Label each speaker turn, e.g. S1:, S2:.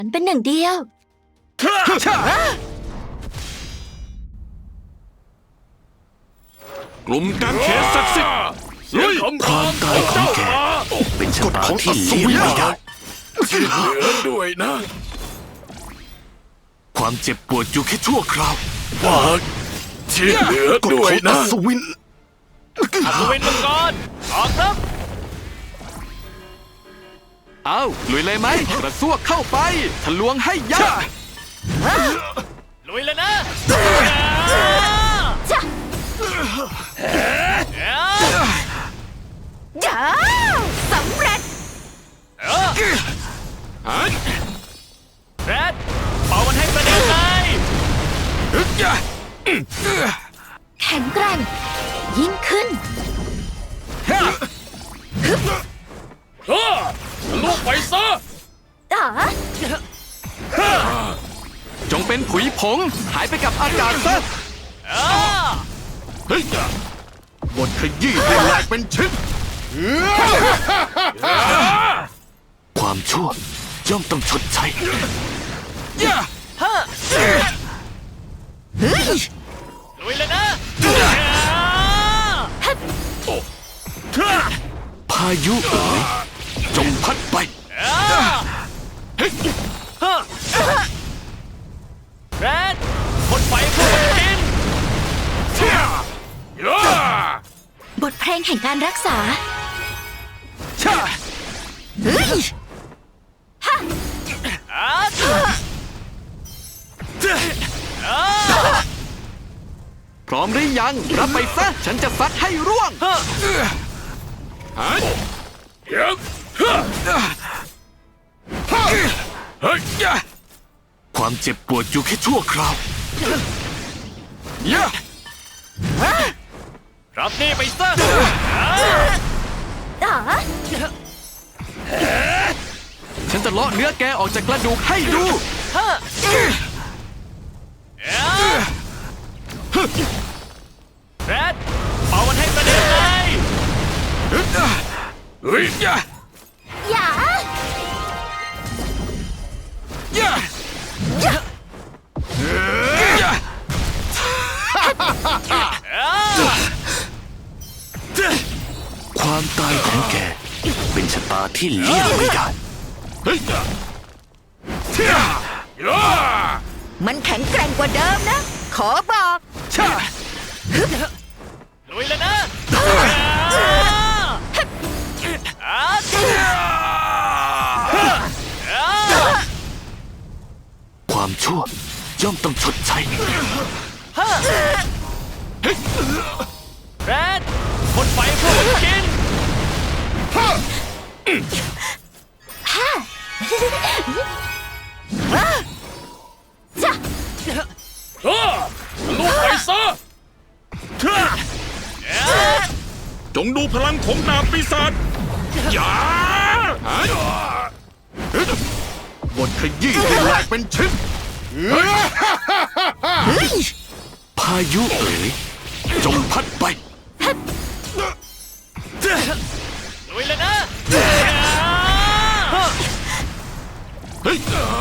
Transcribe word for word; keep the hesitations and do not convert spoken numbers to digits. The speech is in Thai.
S1: มันเป็นหนึ่งเดียว
S2: กลุ่มการเขตศักดิ์สิทธิ์ลุย
S3: ความตายของแกเป็นชะตาที่เลี่ยงไม่ได้
S2: เหลือด้วยนะ
S3: ความเจ็บปวดอยู่แค่ชั่วคราว
S2: ฝากที่เหลือก
S3: ฎ
S2: ด้ว
S3: ข
S2: ย
S3: องอั
S2: นะ
S3: ศวิน
S4: อัศวินมังกรออกครับ
S5: เอาลุยเลยไหมกระซวกเข้าไปทะลวงให้ยับ
S4: ลุยเลยนะ
S1: จ้ะจ้าสำเร็จ
S4: แรดเป่ามันให้กระเด็นเลย
S1: แข็งแกร่งยิ่งขึ้น
S2: ลูกไปซะ
S1: อ๋อ
S5: จงเป็นผุยผงหายไปกับอากาศซะ
S2: เฮ้ย
S3: บทขยี้ให้แหลกเป็นชิ้น ความชั่วย่อมต้องชดใช้
S4: ลุยเลยนะ
S3: พายุเอ๋ยจงพัดไป
S4: แรดพ่นไฟเข้าไปกิน
S1: บทเพลงแห่งการรักษาเฮ้ย
S5: พร้อมหรือยังรับไปซะฉันจะซัดให้ร่วง
S2: เดี๋ยวเฮ้ย
S3: ความเจ็บปวดอยู่แค่ชั่วคราว
S4: รับนี่ไปซะ
S1: อ๋อ
S5: ฉันจะเลาะเนื้อแกออกจากกระดูกให้ดู
S4: แรดเป่ามันให้กระเด็นเลย
S2: เฮ้ย
S1: อย่า
S3: ความตายของแกเป็นชะตาที่เลี่ยงไม่ได้
S2: เฮ้ย
S1: มันแข็งแกร่งกว่าเดิมนะ ขอบอก
S4: ลุยเลยนะ
S3: ความชั่วย่อมต้องชดใช้
S4: แรดพ่นไฟเข้าไปกิน
S1: จ้ะ
S2: ลูกไปซะจงดูพลังของดาบปีศาจอย่า
S3: บทขยี้ให้แหลกเป็นชิ้น พายุเอ๋ยจงพัดไป
S4: ลุยเลยนะ
S2: เฮ้ย